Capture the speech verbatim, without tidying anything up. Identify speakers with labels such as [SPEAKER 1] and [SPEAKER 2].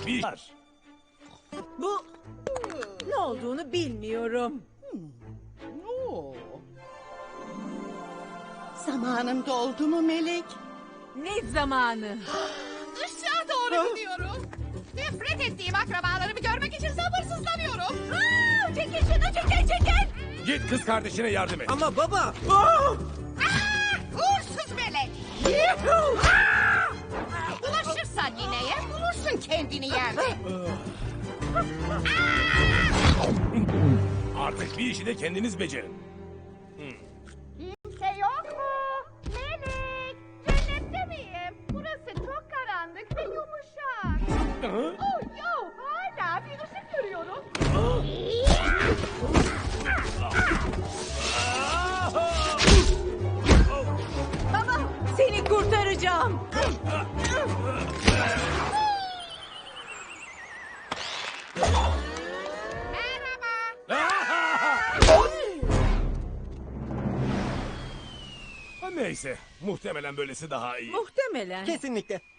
[SPEAKER 1] bir iş var.
[SPEAKER 2] Bu ne olduğunu bilmiyorum.
[SPEAKER 3] Oo. Zamanım doldu mu Melek?
[SPEAKER 2] Ne zamanı?
[SPEAKER 4] Işığa doğru gidiyorum. Nefret ettiğim akrabalarımı görmek için sabırsızlanıyorum. Aa, çekil şunu, çekil çekil.
[SPEAKER 1] Git kız kardeşine yardım et.
[SPEAKER 5] Ama baba.
[SPEAKER 4] Aa, uğursuz melek. Yuhu! Aa! Bulaşırsan nineye bulursun kendini yerde.
[SPEAKER 1] Artık bir işi de kendiniz becerin.
[SPEAKER 4] Kimse yok mu? Melek, cennette miyim? Burası çok karanlık ve yumuşak. Oh yo, hala bir ışık görüyorum.
[SPEAKER 2] Baba, seni kurtaracağım.
[SPEAKER 1] Neyse, muhtemelen böylesi daha iyi.
[SPEAKER 2] Muhtemelen.
[SPEAKER 5] Kesinlikle.